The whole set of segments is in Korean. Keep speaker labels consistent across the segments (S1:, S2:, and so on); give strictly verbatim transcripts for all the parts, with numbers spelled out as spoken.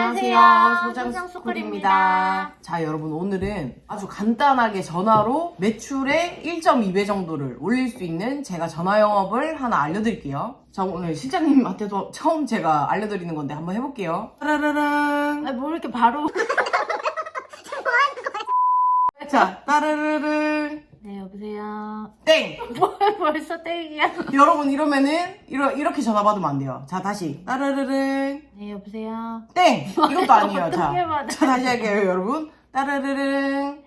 S1: 안녕하세요.
S2: 소장스쿨입니다.
S1: 소장스쿨입니다.
S2: 자, 여러분 오늘은 아주 간단하게 전화로 매출의 일 점 이 배 정도를 올릴 수 있는 제가 전화 영업을 하나 알려드릴게요. 자, 오늘 실장님한테도 처음 제가 알려드리는 건데 한번 해볼게요. 따라라랑.
S1: 아니, 뭐 이렇게 바로.
S2: 자, 따라라랑.
S1: 네, 여보세요.
S2: 땡!
S1: 뭐, 벌써 땡이야.
S2: 여러분 이러면은 이러, 이렇게 전화 받으면 안 돼요. 자, 다시. 따라라랑.
S1: 네, 여보세요.
S2: 땡! 이것도 아니에요. 자,
S1: 어떻게 받아요?
S2: 자, 다시 할게요, 여러분. 따라라랑.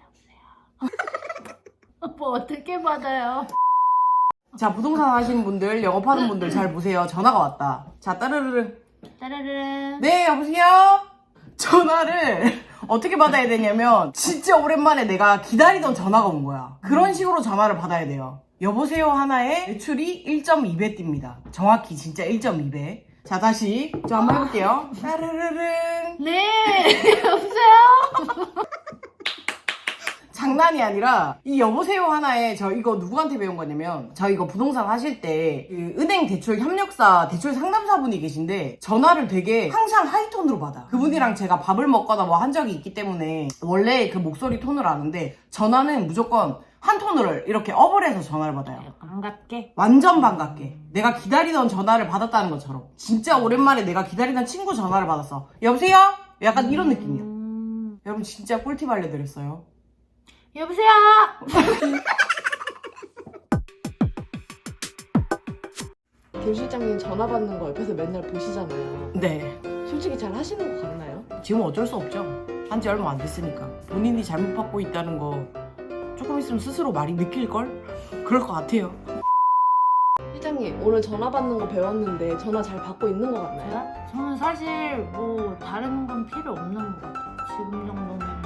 S1: 뭐 어떻게 받아요?
S2: 자, 부동산 하시는 분들, 영업하는 분들 잘 보세요. 전화가 왔다. 자, 따르르르.
S1: 따라르르.
S2: 네, 여보세요? 전화를 어떻게 받아야 되냐면, 진짜 오랜만에 내가 기다리던 전화가 온 거야. 그런 식으로 전화를 받아야 돼요. 여보세요 하나에 매출이 일 점 이 배 띱니다. 정확히 진짜 일 점 이 배. 자, 다시 저 한번 해볼게요. 따르르르.
S1: 네, 여보세요?
S2: 장난이 아니라 이 여보세요 하나에 저 이거 누구한테 배운 거냐면 저 이거 부동산 하실 때 그 은행 대출 협력사 대출 상담사분이 계신데 전화를 되게 항상 하이톤으로 받아. 그분이랑 제가 밥을 먹거나 뭐 한 적이 있기 때문에 원래 그 목소리 톤을 아는데 전화는 무조건 한 톤을 이렇게 업을 해서 전화를 받아요.
S1: 반갑게.
S2: 완전 반갑게 내가 기다리던 전화를 받았다는 것처럼 진짜 오랜만에 내가 기다리던 친구 전화를 받았어. 여보세요? 약간 이런 느낌이야.
S1: 음...
S2: 여러분 진짜 꿀팁 알려드렸어요.
S1: 여보세요?
S3: 조 실장님 전화 받는 거 옆에서 맨날 보시잖아요.
S2: 네.
S3: 솔직히 잘 하시는 거 같나요?
S2: 지금 어쩔 수 없죠. 한지 얼마 안 됐으니까. 본인이 잘못 받고 있다는 거 조금 있으면 스스로 말이 느낄걸? 그럴 것 같아요.
S3: 실장님 오늘 전화 받는 거 배웠는데 전화 잘 받고 있는 거 같나요?
S1: 저요? 저는 사실 뭐 다른 건 필요 없는 것 같아요. 지금 정도면.